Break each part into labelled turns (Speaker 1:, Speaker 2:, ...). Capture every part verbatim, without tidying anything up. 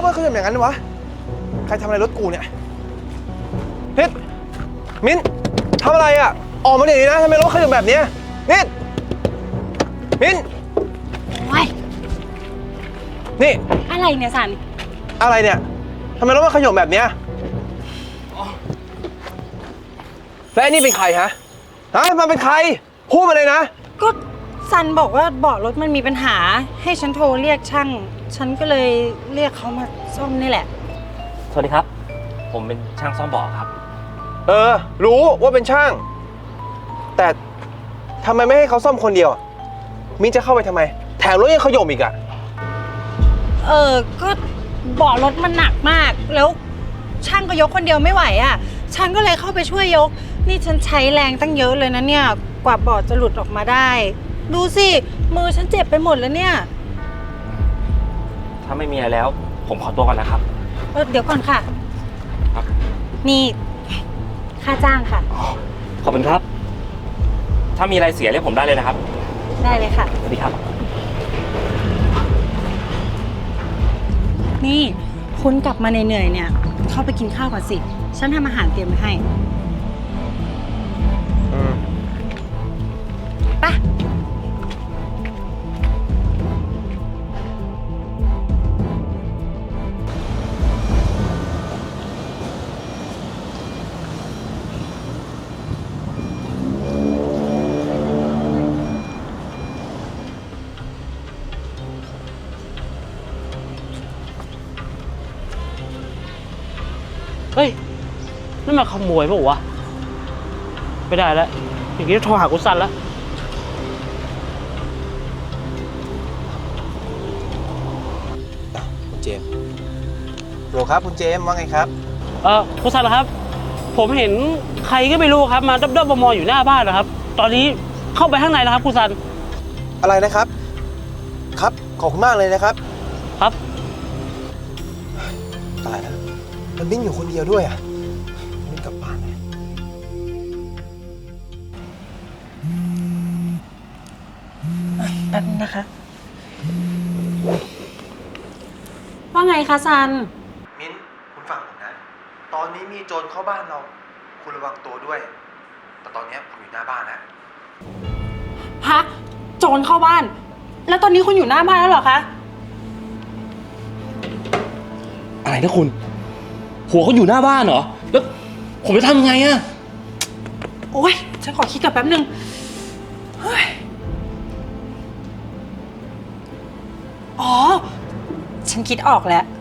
Speaker 1: ถมันขยับอย่างนั้นวะใครทำอะไรรถกูเนี่ยนิดมิ้นทำอะไรอ่ะออกมาเดี๋ยวนี้นะทำไมรถขยับแบบนี้นิดมิ้น
Speaker 2: ว้าย
Speaker 1: นี่
Speaker 2: อะไรเนี่ยสัน
Speaker 1: อะไรเนี่ยทำไมรถมันขยับแบบเนี้ยและไอ้นี่เป็นใครฮะฮะมันเป็นใครพูดมาเลยนะ
Speaker 2: ก็ซันบอกว่าเบาะรถมันมีปัญหาให้ฉันโทรเรียกช่างฉันก็เลยเรียกเขามาซ่อมนี่แหละ
Speaker 3: สวัสดีครับผมเป็นช่างซ่อมเบาะครับ
Speaker 1: เออรู้ว่าเป็นช่างแต่ทำไมไม่ให้เขาซ่อมคนเดียวมิ้นจะเข้าไปทำไมแถมรถยังขย่มอีกอ่ะ
Speaker 2: เออก็เบาะรถมันหนักมากแล้วช่างก็ยกคนเดียวไม่ไหวอ่ะฉันก็เลยเข้าไปช่วยยกนี่ฉันใช้แรงตั้งเยอะเลยนะเนี่ยกว่าเบาะจะหลุดออกมาได้ดูสิมือฉันเจ็บไปหมดแล้วเนี่ย
Speaker 3: ถ้าไม่มีอะไรแล้วผมขอตัวก่อนนะครับ
Speaker 2: เออเดี๋ยวก่อนค่ะ
Speaker 3: ครับ
Speaker 2: นี่ค่าจ้างค่ะ
Speaker 3: ขอบคุณครับถ้ามีอะไรเสียเรียกผมได้เลยนะครับ
Speaker 2: ได้เลยค่ะ
Speaker 3: สวัสดีครับ
Speaker 2: นี่คุณกลับมาเหนื่อยๆเนี่ยเข้าไปกินข้าวก่อนสิฉันทำอาหารเตรียมไว้ให้ไป
Speaker 4: เฮ้ยนั่นมาขโมยป่าววะไม่ได้แล้วอย่างนี้ต้องโทรหากุซันแล้ว
Speaker 1: คุณเจมส์โหลครับคุณเจมส์ว่าไงครับ
Speaker 4: เออกุซันครับผมเห็นใครก็ไม่รู้ครับมาด้อมๆมองๆอยู่หน้าบ้านนะครับตอนนี้เข้าไปข้างในแล้วครับกุซัน
Speaker 1: อะไรนะครับครับขอบคุณมากเลยนะครับ
Speaker 4: ครับ
Speaker 1: ตายแล้วมันมิ้นอยู่คนเดียวด้วยอ่ะมิ้นกลับบ้านเลย
Speaker 2: แป๊บนึงนะคะว่าไงคะซัน
Speaker 1: มิ้นคุณฟังผมนะตอนนี้มีโจรเข้าบ้านเราคุณระวังตัวด้วยแต่ตอนนี้ผมอยู่หน้าบ้านแล้ว
Speaker 2: ฮะโจรเข้าบ้านแล้วตอนนี้คุณอยู่หน้าบ้านแล้วเหรอคะ
Speaker 3: อะไรนะคุณหัวเขาอยู่หน้าบ้านเหรอแล้วผมจะทำยังไงอะ
Speaker 2: โอ๊ยฉันขอคิดกับแป๊บนึงเฮ้ยอ๋อฉันคิดออกแล้ว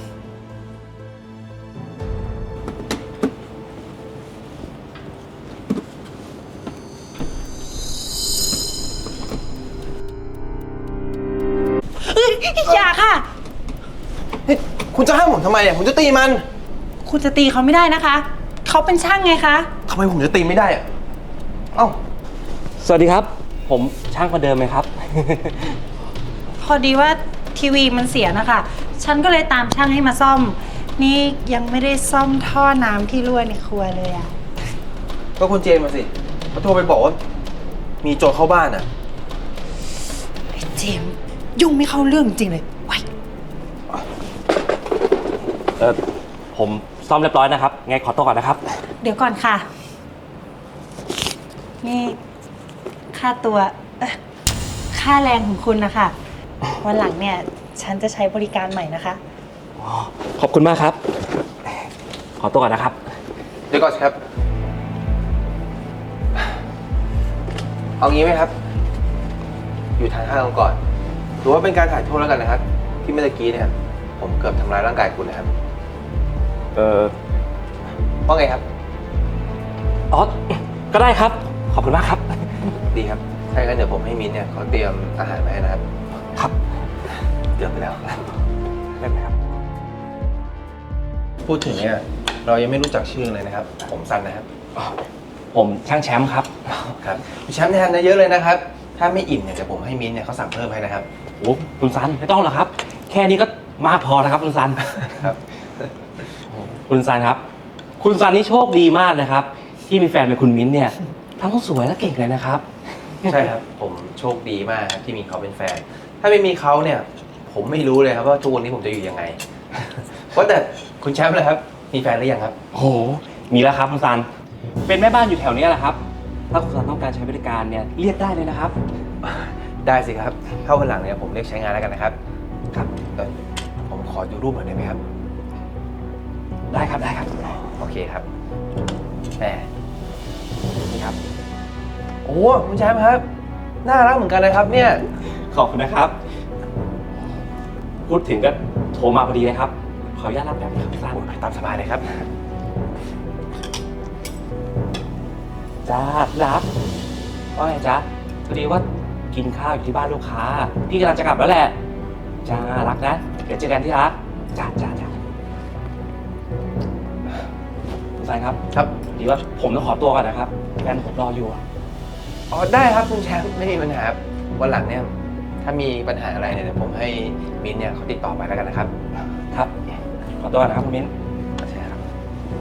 Speaker 2: อย่าค่ะ
Speaker 1: คุณจะห้ามผมทำไมอ่ะผมจะตีมัน
Speaker 2: คุณจะตีเขาไม่ได้นะคะเขาเป็นช่างไงคะ
Speaker 1: ทำไมผมจะตีไม่ได้อ่ะเอ้า
Speaker 3: สวัสดีครับผมช่างคนเดิมไหมครับ
Speaker 2: พอดีว่าทีวีมันเสียนะคะฉันก็เลยตามช่างให้มาซ่อมนี่ยังไม่ได้ซ่อมท่อน้ำที่รั่วในครัวเลยอ่ะ
Speaker 1: ก็คุณเจมมาสิเขาโทรไปบอกว่ามีโจรเข้าบ้านอ่ะ
Speaker 2: ไอ้เจมยุ่งไม่เข้าเรื่องจริงเลยไว้
Speaker 3: เออผมซ่อมเรียบร้อยนะครับไงขอตัวก่อนนะครับ
Speaker 2: เดี๋ยวก่อนค่ะนี่ค่าตัวค่าแรงของคุณนะคะวันหลังเนี่ยฉันจะใช้บริการใหม่นะคะ
Speaker 3: ขอบคุณมากครับขอตัวก่อนนะครับ
Speaker 1: เดี๋ยวก่อนครับเอางี้ไหมครับอยู่ทางห้างก่อนถือว่าเป็นการถ่ายโทษแล้วกันนะครับที่เมื่อกี้เนี่ยผมเกือบทำร้ายร่างกายคุณนะครับ
Speaker 3: เออ
Speaker 1: ว่าไงครับ
Speaker 3: อ๋อก็ได้ครับขอบคุณมากครับ
Speaker 1: ดีครับถ้าอย่างนั้นเดี๋ยวผมให้มิ้นเนี่ยเขาเตรียมอาหารมาให้นะครับ
Speaker 3: ครับ
Speaker 1: เตรียมไปแล้ว
Speaker 3: ได้ไหมครับ
Speaker 1: พูดถึงเนี่ยเรายังไม่รู้จักชื่อเลยนะครับผมซันนะครับ
Speaker 3: ผมช่างแชมป์ครับ
Speaker 1: ครับแชมป์ทานเยอะเลยนะครับถ้าไม่อิ่มเนี่ยเดี๋ยวผมให้มิ้นเนี่ยเขาสั่งเพิ่มให้นะครับ
Speaker 3: โอ้คุณซันไม่ต้องหรอกครับแค่นี้ก็มากพอแล้วครับคุณซัน
Speaker 1: ครับ
Speaker 3: คุณซันครับคุณซันนี่โชคดีมากนะครับที่มีแฟนเป็นคุณมิ้นเนี่ยทั้งสวยและเก่งเลยนะครับ
Speaker 1: ใช่ครับผมโชคดีมากที่มีเขาเป็นแฟนถ้าไม่มีเขาเนี่ยผมไม่รู้เลยครับว่าทุกวันนี้ผมจะอยู่ยังไงว่าแต่คุณแชมป์เลยครับ มีแฟนหรือยังครับ
Speaker 3: โอ้โห มีแล้วครับคุณซัน เป็นแม่บ้านอยู่แถวนี้แหละครับ ถ้าคุณซันต้องการใช้บริการเนี่ยเรียกได้เลยนะครับ
Speaker 1: ได้สิครับเข้าวันหลังเนี่ยผมเรียกใช้งานแล้วกันนะครับ ครับเอ่อผมขอดูรูปหน่อยได้ไหมครับ
Speaker 3: ได้ครับได้ครับ
Speaker 1: โอเคครับแหม
Speaker 3: นี่ครับ
Speaker 1: โอ้คุณแชมป์ครับ น่ารักเหมือนกันเลยครับเนี่ย
Speaker 3: ขอบคุณนะครับ พูดถึงก็โทรมาพอดีเลยครับ ขออนุญาตรับแบบนี้ครับคุณซัน
Speaker 1: โอ้ยตามสบายเลยครับ
Speaker 3: จ้ารักว่าไงจ๊ะพอดีว่ากินข้าวอยู่ที่บ้านลูกค้า พี่กำลังจะกลับแล้วแหละ จ้ารักนะ เดี๋ยวเจอกันที่รัก จ้าจ้าจ้าคุณซันครับ
Speaker 1: ครับ
Speaker 3: พอดีว่าผมต้องขอตัวก่อนนะครับแฟนผมรออยู่อะ
Speaker 1: อ๋อได้ครับคุณแชมป์ไม่มีปัญหาครับวันหลังเนี่ยถ้ามีปัญหาอะไรเนี่ยเดี๋ยวผมให้มิ้นท์เนี่ยเขาติดต่อไปแล้วกันนะครับ
Speaker 3: ครับ ขอตัวก่อนนะครับคุณมิ้น
Speaker 1: ใช่ครับ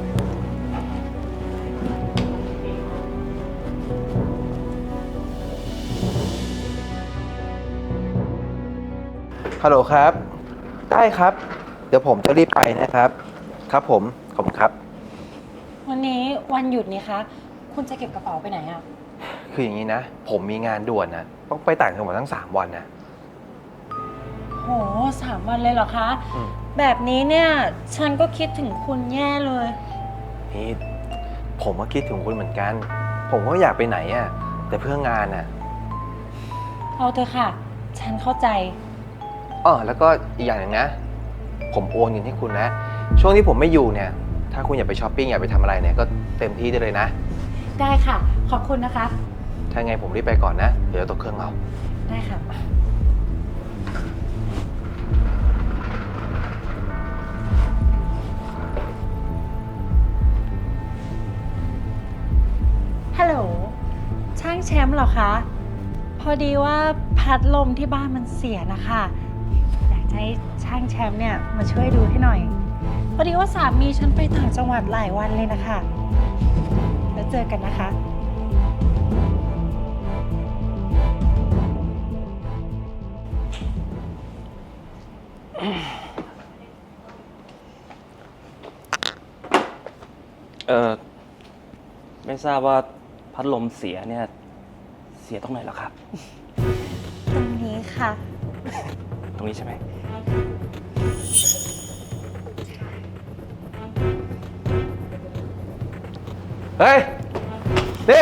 Speaker 1: ฮัลโหลครับได้ครับ เดี๋ยวผมจะรีบไปนะครับ ครับผมขอบคุณครับ
Speaker 2: วันนี้วันหยุดนี่คะ คุณจะเก็บกระเป๋าไปไหนอะ
Speaker 1: คืออย่างนี้นะ ผมมีงานด่วนนะต้องไปต่างจังหวัดทั้งสามวันนะ
Speaker 2: โหสามวันเลยเหรอคะ
Speaker 1: อืม
Speaker 2: แบบนี้เนี่ย ฉันก็คิดถึงคุณแย่เลย
Speaker 1: นี่ผมก็คิดถึงคุณเหมือนกัน ผมก็อยากไปไหนอ่ะแต่เพื่องานอ่ะ
Speaker 2: เอาเถอะค่ะ ฉันเข้าใจ
Speaker 1: อ๋อแล้วก็อีกอย่างหนึ่งนะ ผมโอนเงินให้คุณนะ ช่วงที่ผมไม่อยู่เนี่ย ถ้าคุณอยากไปช้อปปิ้งอยากไปทำอะไรเนี่ยก็เต็มที่ได้เลยนะ
Speaker 2: ได้ค่ะ ขอบคุณนะคะ
Speaker 1: ถ้าไงผมรีบไปก่อนนะ เดี๋ยวตกเครื่องเอา
Speaker 2: ได้ค่ะ ฮัลโหล ช่างแชมป์เหรอคะ พอดีว่าพัดลมที่บ้านมันเสียนะคะ อยากจะให้ช่างแชมป์เนี่ยมาช่วยดูให้หน่อย พอดีว่าสามีฉันไปต่างจังหวัดหลายวันเลยนะคะ แล้วเจอกันนะคะ
Speaker 3: เออไม่ทราบว่าพัดลมเสียเนี่ย เสียตรงไหนเหรอครับ
Speaker 2: ตรงนี้ค่ะ
Speaker 3: ตรงนี้ใช่ไหม
Speaker 1: เฮ้ย นี่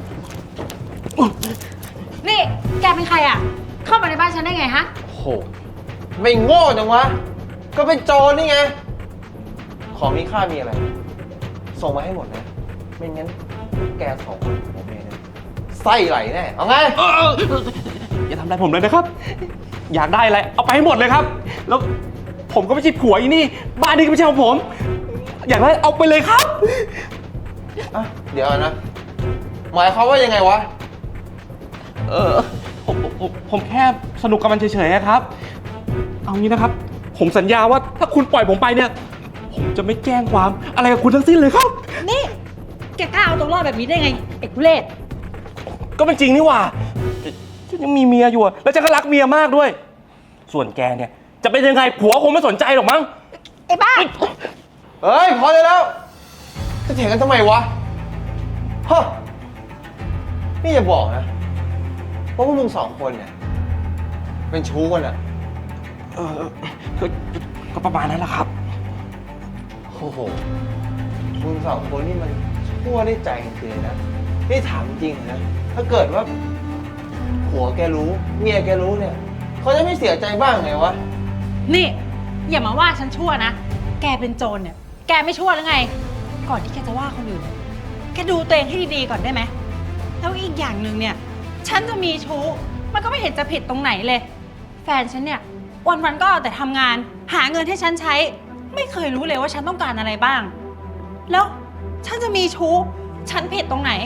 Speaker 2: นี่ แกเป็นใครอ่ะ เข้ามาในบ้านฉันได้ไงฮะ
Speaker 1: โอ้โห ไม่โง่จังวะ ก็เป็นโจรนี่ไง ของมีค่ามีอะไร ส่งมาให้หมดนะ ไม่งั้นแกสองคนผมเองเนี่ยไส้ไหลแน่ เอาไง
Speaker 3: อย่าทำอะไรผมเลยนะครับ อยากได้อะไรเอาไปให้หมดเลยครับ แล้วผมก็ไม่ใช่ผัวอีนี่ บ้านนี้ก็ไม่ใช่ของผม อยากได้เอาไปเลยครับ
Speaker 1: อ่ะ เดี๋ยวนะ หมายความว่ายังไงวะ
Speaker 3: เออผมผมผมผมแค่สนุกกับมันเฉยๆครับ เอางี้นะครับ ผมสัญญาว่าถ้าคุณปล่อยผมไปเนี่ย ผมจะไม่แจ้งความอะไรกับคุณทั้งสิ้นเลยครับ
Speaker 2: นี่ แกกล้าเอาตัวรอดแบบนี้ได้ไงเอกทุเรศ
Speaker 3: ก็เป็นจริงนี่หว่าฉันยังมีเมียอยู่อะแล้วฉันก็รักเมียมากด้วย ส่วนแกเนี่ยจะเป็นยังไงผัวคงไม่สนใจหรอกมั้ง
Speaker 2: ไอ้บ้า
Speaker 1: เฮ้ย พอได้แล้ว จะเถียงกันทำไมวะฮะนี่อย่าบอกนะว่าพวกมึงสองคนเนี่ย เป็นชู้กันอะ
Speaker 3: เออก็ก็ประมาณนั้นแหละครับ
Speaker 1: โอ้โห มึงสองคนนี่มันชั่วได้ใจจริงๆนะ นี่ถามจริงนะ ถ้าเกิดว่าผัวแกรู้ เมียแกรู้เนี่ย เขาจะไม่เสียใจบ้างไงวะ
Speaker 2: นี่ อย่ามาว่าฉันชั่วนะ แกเป็นโจรเนี่ย แกไม่ชั่วหรือไง ก่อนที่แกจะว่าคนอื่น แกดูตัวเองให้ดีๆก่อนได้ไหม แล้วอีกอย่างหนึ่งเนี่ย ฉันจะมีชู้ มันก็ไม่เห็นจะผิดตรงไหนเลย แฟนฉันเนี่ย วันๆก็เอาแต่ทำงาน หาเงินให้ฉันใช้ ไม่เคยรู้เลยว่าฉันต้องการอะไรบ้าง แล้วฉันจะมีชู้ ฉันผิดตรงไหน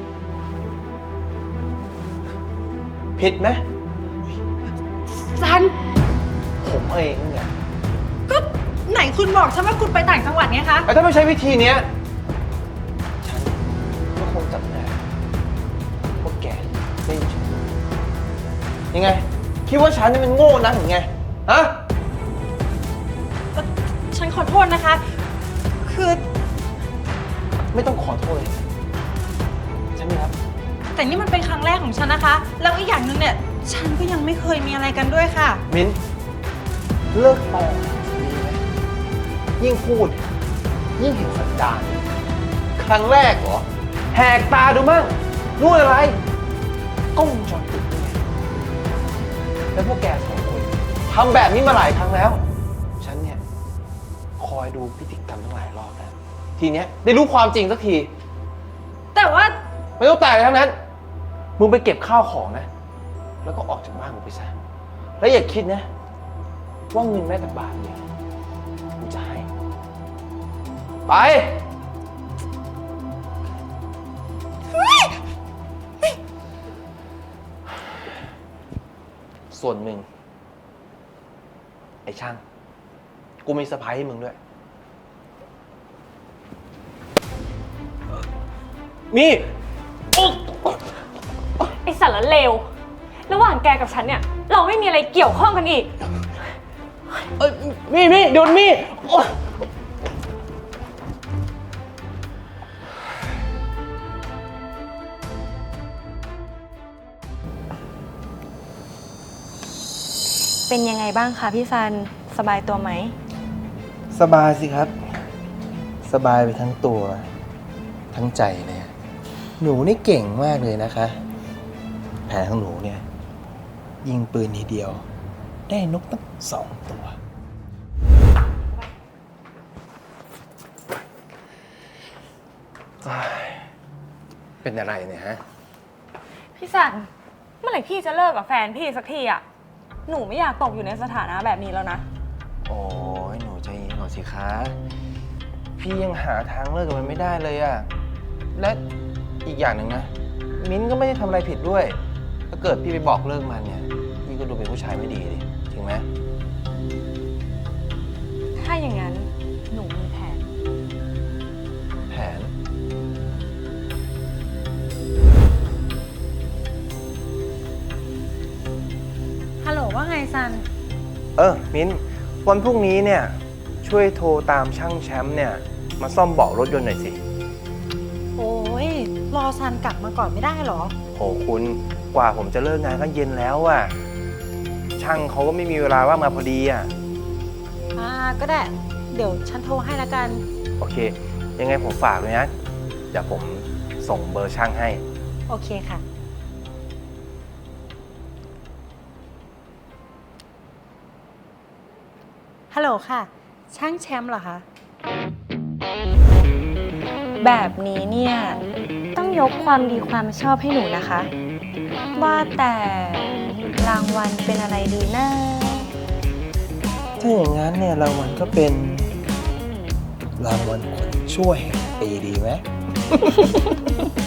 Speaker 1: ผิดไหม
Speaker 2: ฉัน
Speaker 1: ผมเองเนี่ย
Speaker 2: ก็ไหนคุณบอกฉันว่าคุณไปต่างจังหวัดไงคะ
Speaker 1: แต่ถ้าไม่ใช้วิธีเนี้ย ฉันก็คงจับได้ว่าแกไม่มีชู้ยังไง คิดว่าฉันนี่มันโง่นักหรือไง ฮะ
Speaker 2: ษนะคะ คือ
Speaker 1: ไม่ต้องขอโทษเลยใช่ไหมครับ
Speaker 2: แต่นี่มันเป็นครั้งแรกของฉันนะคะ แล้วอีกอย่างหนึ่งเนี่ย ฉันก็ยังไม่เคยมีอะไรกันด้วยค่ะ
Speaker 1: มิ้นเลิกตอดีไหมยิ่งพูด ยิ่งเห็นสันดานครั้งแรกเหรอ แหกตาดูมั่งรู้อะไรกล้องวงจรปิดนี่ไงแล้วพวกแกสองคนทำแบบนี้มาหลายครั้งแล้ว ฉันเนี่ย คอยดูพฤติกรรมทั้งหลายรอบแล้ว ทีเนี้ยได้รู้ความจริงสักที
Speaker 2: แต่ว่า
Speaker 1: ไม่ต้องแต่อะไรทั้งนั้น มึงไปเก็บข้าวของนะ แล้วก็ออกจากบ้านกูไปซะ แล้วอย่าคิดนะ ว่าเงินแม้แต่บาทเดียวกูจะให้ ไป ส่วนมึง ไอ้ช่าง กูมีเซอร์ไพรส์ให้มึงด้วย นี่
Speaker 5: ไอสารเลว ระหว่างแกกับฉันเนี่ย เราไม่มีอะไรเกี่ยวข้องกันอีก
Speaker 1: เอ้ยมี่มี่เดี๋ยวมี่โอ๊ย
Speaker 5: เป็นยังไงบ้างคะพี่ซัน สบายตัวไหม
Speaker 1: สบายสิครับ สบายไปทั้งตัว ทั้งใจเลยอะหนูนี่เก่งมากเลยนะคะ แผนของหนูเนี่ย ยิงปืนทีเดียว ได้นกตั้งสองตัว เป็นอะไรเนี่ยฮะ
Speaker 5: พี่ซัน เมื่อไหร่พี่จะเลิกกับแฟนพี่สักทีอะหนูไม่อยากตกอยู่ในสถานะแบบนี้แล้วนะ
Speaker 1: โอ้ยหนูใจเย็นก่อนสิคะ พี่ยังหาทางเลิกกับมันไม่ได้เลยอะและอีกอย่างหนึ่งนะ มิ้นท์ก็ไม่ได้ทำอะไรผิดด้วย ถ้าเกิดพี่ไปบอกเลิกมันเนี่ย พี่ก็ดูเป็นผู้ชายไม่ดีดิจริงไหม
Speaker 5: ถ้าอย่างนั้นหนูมีแผน
Speaker 1: แผน
Speaker 2: ฮัลโหลว่าไงซัน
Speaker 1: เออ มิ้นท์วันพรุ่งนี้เนี่ย ช่วยโทรตามช่างแชมป์เนี่ย มาซ่อมเบาะรถยนต์หน่อยสิ
Speaker 2: โอ้ย รอซันกลับมาก่อนไม่ได้เหรอ
Speaker 1: โหคุณกว่าผมจะเลิกงานก็เย็นแล้วอะช่างเขาก็ไม่มีเวลาว่างมาพอดีอะ
Speaker 2: อ่า ก็ได้ เดี๋ยวฉันโทรให้ละกัน
Speaker 1: โอเค ยังไงผมฝากเลยนะ เดี๋ยวผมส่งเบอร์ช่างให้
Speaker 2: โอเคค่ะ ฮัลโหลค่ะ ช่างแชมป์เหรอคะ
Speaker 5: แบบนี้เนี่ย ต้องยกความดีความชอบให้หนูนะคะ ว่าแต่รางวัลเป็นอะไรดีนะ
Speaker 1: ถ้าอย่างนั้นเนี่ยรางวัลก็เป็นรางวัลคนช่วยแห่งปีดีไหม